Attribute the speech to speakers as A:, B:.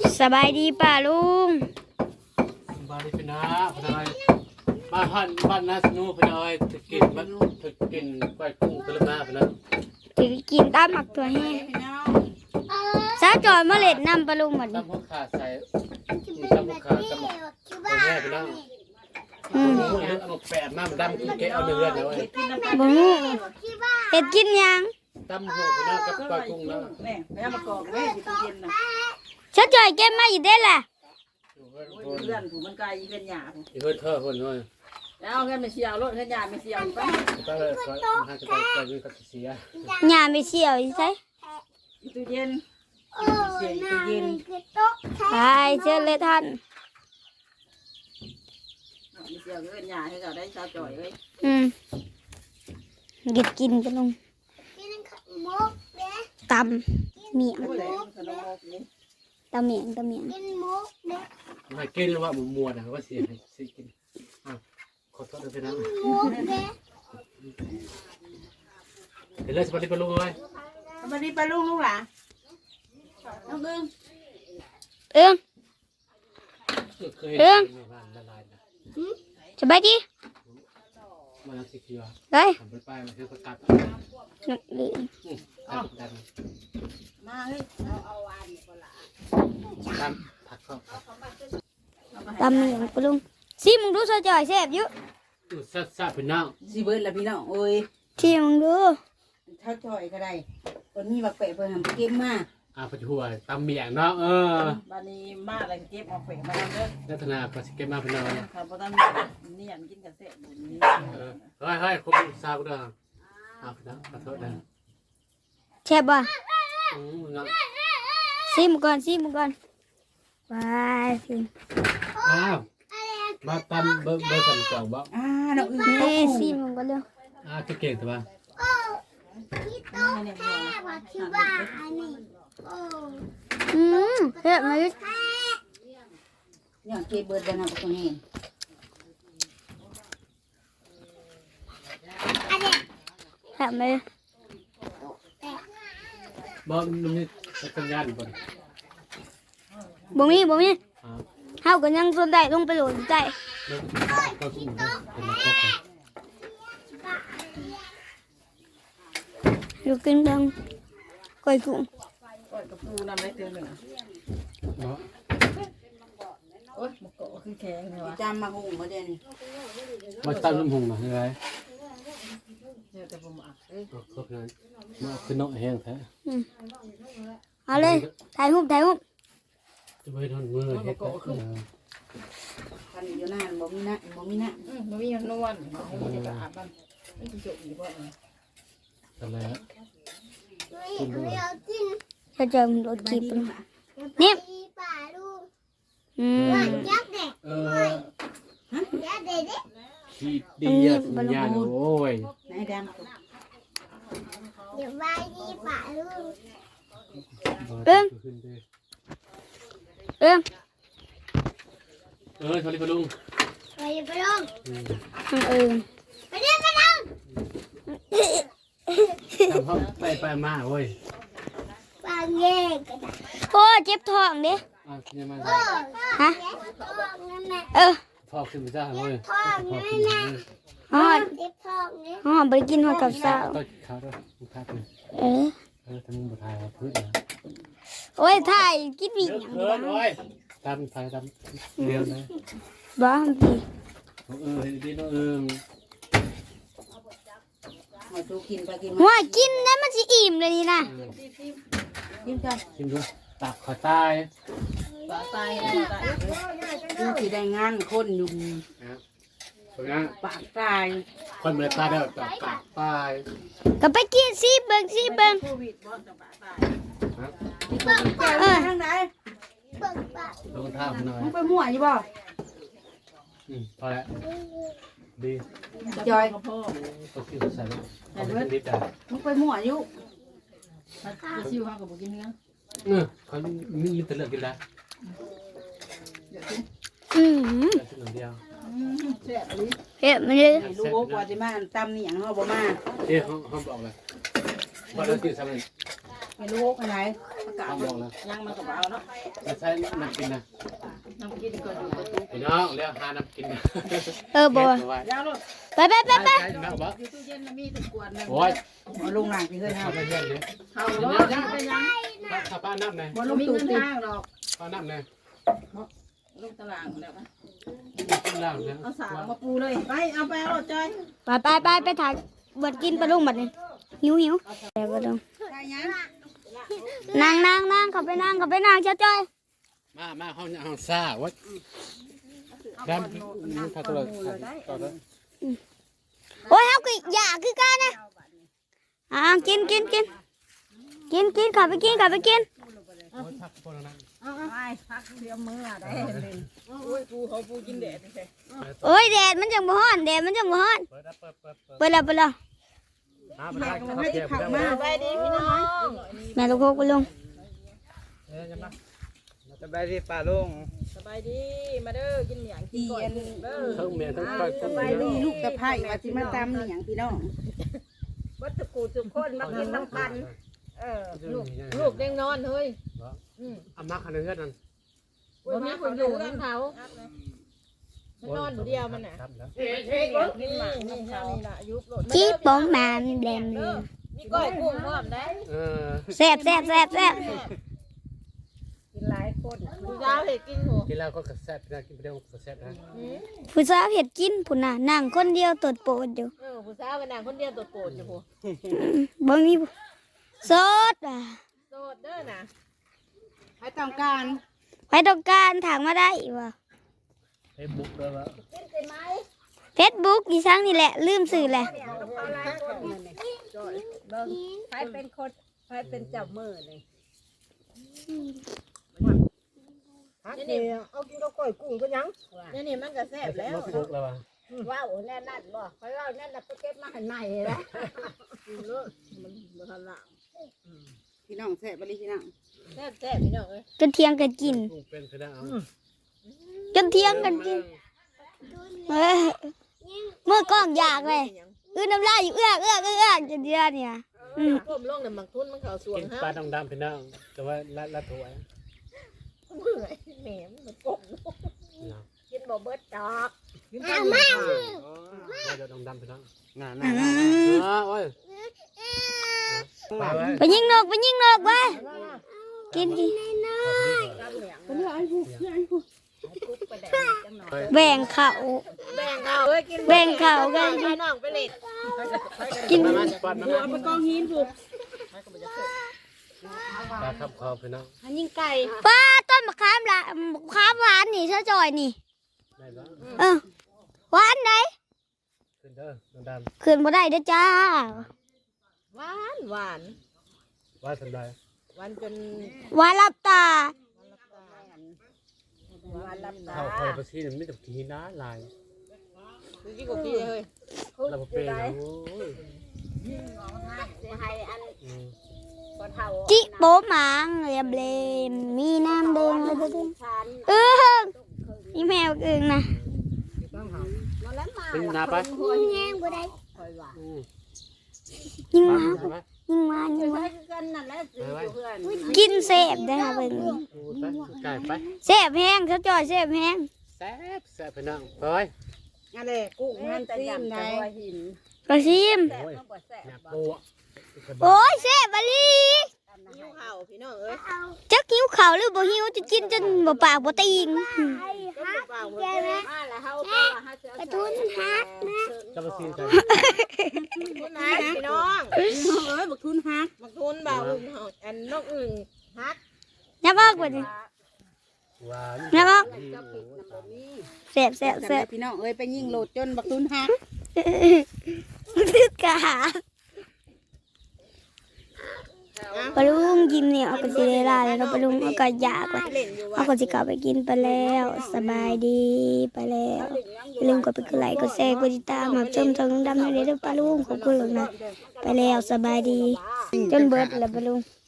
A: สบายดีป่าลุง
B: บ้านนี้เป็นน้าเป็นอะไรบ้านน้าสนุเป็นอะไรถึงกินบ้านถึงกินก้อยกุ้งเป็นน้าเป็นอะไร
A: ถือกินตามหมักตัวแห้งสาวจอยมาเล็ดน้ำปลาลุงหมด
B: ตำหัวขาใส่ตำหัวขาตำหัวแม่เป็นน้าเอาแปะมามันดำกินแกเอาเนื้อเดี๋ยว
A: บ่ฮู้เห็ดกินยัง
B: ตำหัวเป็นน้ากับก้อยกุ้งนะ
C: แม่ไปเอามากอกแม่อยู่ตู้เย็นนะ
A: สาวจอยเก็บมาอยู่ได้ล่ะ
C: เพื่อนผมมันไกลเพื่อนหยาผม
B: เพื่อนเธอคนน้อย
C: แล้วเอาเงินไปเชียวรถเพื่อนหยาไปเชียวไป
B: ก็เลยให้จะไปวิ่งกับเสีย
A: หญ้าไม่เสี่ยวอีไส
C: อยู่ตู้เย็นเสียตู้เย็น
A: ไปเชิญเลยท่าน
C: ไปเชียวเพื่อนหยาให้เขาได้ชาวจ่อยเลย
A: เก็บกินปลาลุงตำเมียงตำเมียง
B: ไม่กินหรือว่ามัวนะว่าเสียสิกินขอโทษด้วยนะเดี๋ยวเลยสวัสดีปลุงเลย
C: สวัสดีปลุงลูกหล่ะน้อง
A: เอิ้งสบายดี
B: มาสิคิว
A: ได้
B: ไปมาคือประกาศ
A: นักเลย
C: มาเฮ้ยเอาวานก่อนละ
B: ตำผักเข้า
A: ตำเมียงปลาลุงซิมึงดูสาวจอยแซ่บอยู่
B: ซาเป็นน้อง
C: สิเบิร์ดละพี่น้องโอ้ย
A: ที่มึงดู
C: ชาวจ่อยก็ได้คนนี้มาเปะเพื่อนทำเก็บมา
B: ปัจจุบันตำเมียงเนาะ
C: บ้านนี้มาอะไรเก็บเอาเปะมาทำเด้อ
B: นัฒนาก็สิเก็บมาเป็นน้อย
C: ครับเพราะตอนนี้อยากกินกระเซ็นนี้
B: เฮ้ยคุณซาบุดาพี่น้องขอโทษนะ
A: แซ่บบ่ซิมก่อนไปซิม
B: มาตำเบอร์สั่งกล่องบ่
C: น้องอื่น
A: นี่ซิมก่อนเร็ว
B: เก่งแต่ว่า
A: เฮ้ยมาดิ
C: เนี่ยเก็บเบิร์ดนะตรงนี้
A: เฮ้ยมา
B: บ่มีสัญญาณบ่
A: บ่มีเฮาก็ยังสนได้ลงไปโหลดใจอยู่กินดังก้อยกุ้ง
C: ก้อยกระปูนำได้เตือนหนึ่งโอ้ยมะกอกคือแข็งเลยวะจำมาหุงมาเด่น
B: มาตั้งน้ำหุงหน่อยอะไร
C: เนี่ยแต่ผมอ่ะ
B: ก็คือมาคือน้อยแห้งแท้
A: เอาเลยถ่ายรูป
B: จะไปทำมือเฮ็ด
C: กันอยู่นานบ่มีนะบ่มีนวลบ่มีกระอาบบ้างนี่คือจุกอยู่บ่
B: อะไรฮะ
A: จะเจอมันโดนจีบเนี่ย
B: ขี้ดีอ่ะสัญญาณโอ้ย
C: นายดำ
A: เดี๋ยวไปดีป่าลูก
B: สวัสดีปลุง
A: ไปเรียกไปลุง
B: ทำเขาไปมาเว้ย
A: ปางเย่กันโอ้เจ็บท้องดิฮะ
B: ท้องขึ้นไปจ้าเว้ย
A: ไปกินหัวกับสาว
B: ต้นขาด้วยขาด้วยทำมือถ่ายพื้นนะ
A: โอ้ยถ่ายกินวิ่ง
B: ตามถ่ายตามเดียวนะ
A: บ้าพี่
B: ดีน้อง
A: ว่ากินแล้วมันจะอิ่มเลยนะ
C: กินกัน
B: กินด้วยตับขอตาย
C: ดูสีแดงงานคนอยู่ปากตาย
B: คนไม่ตายแล้วปากตาย
A: ก็ไปกินซีเบิ้ง
C: ทางไหน
B: ลงท่าหน่อย
C: มึงไปมั่วอยู่บ่
B: พอแล้วดี
C: จอย
B: ก็คิดใส่นิด
C: มึงไปมั่วอยู่จะชิวห้ากับบุกินเนื้อ
B: เขามีแต่เลือกกินแล้วเดียว
A: เฮ้ยมันเลย
C: ลูกว่าจะมาตำนี่อย่างเขาบอกมา
B: เขาบอกเลยว่าเราตื่นสมัย
C: ไม่รู้อะไรกา
B: เอา
C: ศ
B: ลงนะ
C: ยังมันก็เอาเนาะ
B: จะใช้น้ำกินนะ
C: น้ำกินก่อนอยู่ประตู
B: พี่น้องเรียกหาน้ำกินนะ
A: บ่
C: ยาวลูก
A: ไป
B: ใช่น้ำบ่
C: อยู่ตู้เย็นมีแต่กวนนึง
B: โอ้ย
C: มาลงหลังพี่เฮ้ย
B: เข้าไปเยี่ยมเลย
C: เขาบ่ยังไปยัง
B: ถ้าป้าน้ำไหน
C: บ่ลงมีเงินทางหรอก
B: ป้าน้ำไหน
C: ลงตลาดแล้วนะ
B: ข้างล่างเนี่ย
C: เอาสากมาปูเลยไปเอาไปเอาจอย
A: ไปถ่ายเบิดกินปลาลุงบัดนี้หิวแต่ปลาลุง
C: ไปยัง
A: นั่งเข้าไปนั่งเจ้าจ้อย
B: มาห้องซ่าวัดดำถ้าตัวต่อแล้ว
A: โอ้ยเฮาก็อยากคือกันนะกินเข้าไปกิน
B: โอ้ยพักพอแล้วนะ
C: ไปพักเดียวมือได้เลยโอ้ยปูเขาปูกินแดดใช่
A: โอ้ยแดดมันจังบ่ฮ้อนเปิดแล้ว
B: มาไปได้
C: ไม่ได้ขับมาไปดีพี่น้อง
A: แม่ลูกโคกปลาลุง
B: ยังไง
D: สบายดีป่าลุง
C: สบายดีมาเด้อกินเหนียงกินก่อนเด้อ
B: ทั้งเมียทั้งก้อยทั้ง
C: ไป
B: เมีย
C: ดีลูกตะไคร้ว่าสิมาตำเหนียงพี่น้อง
E: วัตถุกูทุกคนมากินน้ำกัน
C: ลูกเด้งนอนเฮ้ย
B: อามาคันเฮือดนั่น
E: วันนี้ผมอยู่กับเขามันนอนอยู่เดียวมันน่ะ
B: ครับแล้ว
C: นี่นี่เท่านี้ล่ะยุบรถ
A: จีปองมันแดมเลย
E: มีก้อยกุ้งพร้อมได้
A: แซ่บ
E: กินหลายคนดูยาวเห็ดกินหัว
B: กินแล้วก็กระแซบนะกินไปเดียวกระแซบนะ
A: ผู้สาวเฮ็ดกินพุ่นน่ะนั่งคนเดียวตดโปดอยู่
E: ผู้สาวกันนางคนเดียวตัวโปรดอยู่หัว
A: บ่มีสด
E: โสดเด้อน่ะ
C: ให้ต้องการ
A: ไปต้องการถามมาได้ว่ะ
B: เฟซบุ๊กด้วยวะ
A: Facebook อีสังนี่แหละลืมสื่อแหละ
E: ใครเป็นคนใครเป็นเจ้ามือเลย
C: นี่เอากินกับก้อยกุ้งก็ยัง
E: นี่มันก็แซ่บแล้ว
B: เฟซบุ๊กแล้ววะ
E: ว้าวแน่นั่นบ่เขาเล่าแน่นน่ะไปเก็บมาให้ใหม่แล้ว
C: พี่น้องแซ่บบ่ดีพี่น้อง
E: แซ่บแซ่บพี่น้องเอ้ย
A: จนเที่ยงกันกิน
B: ลูกเป็นคือได้เอา
A: จนเที่ยงกันกินเมื่อกล้องอยากเลยน้ำลายอยู่เอื้อกจนเดียวเนี่ย
E: ก้มลงน่ะมังทุนมันเข้าสวง
B: กิน
E: ฮะ
B: ปลาดำๆพี่น้องแต่ว่าละถวย
E: เมื่อยแหมมันก้มกินบ่เบิดดอก
B: ว่าจะดำๆพี่น้อง
D: น่า
B: โอ้ยไปไว้
A: ไปยิงนกไว้กิน
E: กุ๊กไปได้จังหน่อย
A: แบ่งเขา
E: แบ่งเขาเอ้ยกิน
A: แบ่งเขากัน
E: พี่น้องไปเล่น
A: กิน
B: มาปอนมา
C: เอาไปกองหินผูก
B: ปลาครับคอพี่น้อง
E: อันยิงไก่
A: ป้าต้นมะขามละมะขามหวานนี่เธอจอยนี่
B: ได้แล้ว
A: หวานไหน
B: ขึ้นเด้อดำ
A: ขึ้นบ่ได้เด้อจ้า
E: หวานหวาน
B: ๆว่าสันได้
E: หวานจน
A: หวานลับตา
E: หวานลับตา
B: เข้าคอยประชีนี่ไม่ต้องกินนะลาย
E: คือกี่กว่าปีเลย
B: เราเป็นโอ้ย
E: จะให้อันก็เท่า
A: จิโปหมางเรียบเลมมีน้ำแดงเลยเด้อ
E: ชัน
A: อีแมวอึ่งนะ
E: มาแล้วมา
B: เป็นนาไป
A: แห้งบ่ได้
E: คอยว่า
A: ยิง
B: มา
A: มา
B: ใช่ไหม
A: ยิงมา
E: ใช้กันนั่นแหละสิเพื่อน
A: กินเสพได้ค่ะเบิ่ง
B: ไปไก่ไป
A: เสพแห้งเธอจอยเสพแห้ง
B: แซ่บพี่น้องไป
C: อะไรกุ้งมันซีมได้
E: หิน
A: กระซิม
E: แซ่บต้องบ่แซ่บ
B: หนัก
E: บ่
B: ปู
A: โอ้ยเสพบะลี
E: หิวข้าวพี่น้องเอ้ย
A: จักหิวข้าวหรือบ่หิวจะกินจนบ่ปากบ่ตีง
E: ก็เปล่าบ่ได้มาแล้วเฮาก็ว่าเฮาจะทุนฮัก
B: จะมาซีนใจ
E: ทุนฮักพี่น้อง
C: เอ้ยบักทุนฮัก
E: บักทุนบ่าวอึ่งเฮาอันนกอึ่งฮัก
A: ยับออกบ่ดิ
B: ว้า
A: ยับออก
E: จะปิดน้ำบ่มี
A: เสพเสพเสพ
C: พี่น้องเอ้ยไปยิงโหลดจนบักทุนฮัก
A: ตึกกะปลาลุงกินเนี่ยเอาไปสิได้ลาแล้วเนาะปลาลุงเอาก็อยากว่า
E: เล่นอยู่
A: เอาก็สิกลับไปกินไปแล้วสบายดีไปแล้วอย่าลืมกดไปกดไลค์กดแชร์กดติดตามมาชมทางดำในเด้อปลาลุงขอบคุณหลวงนะไปแล้วสบายดี จนเบิดแล้วปลาลุง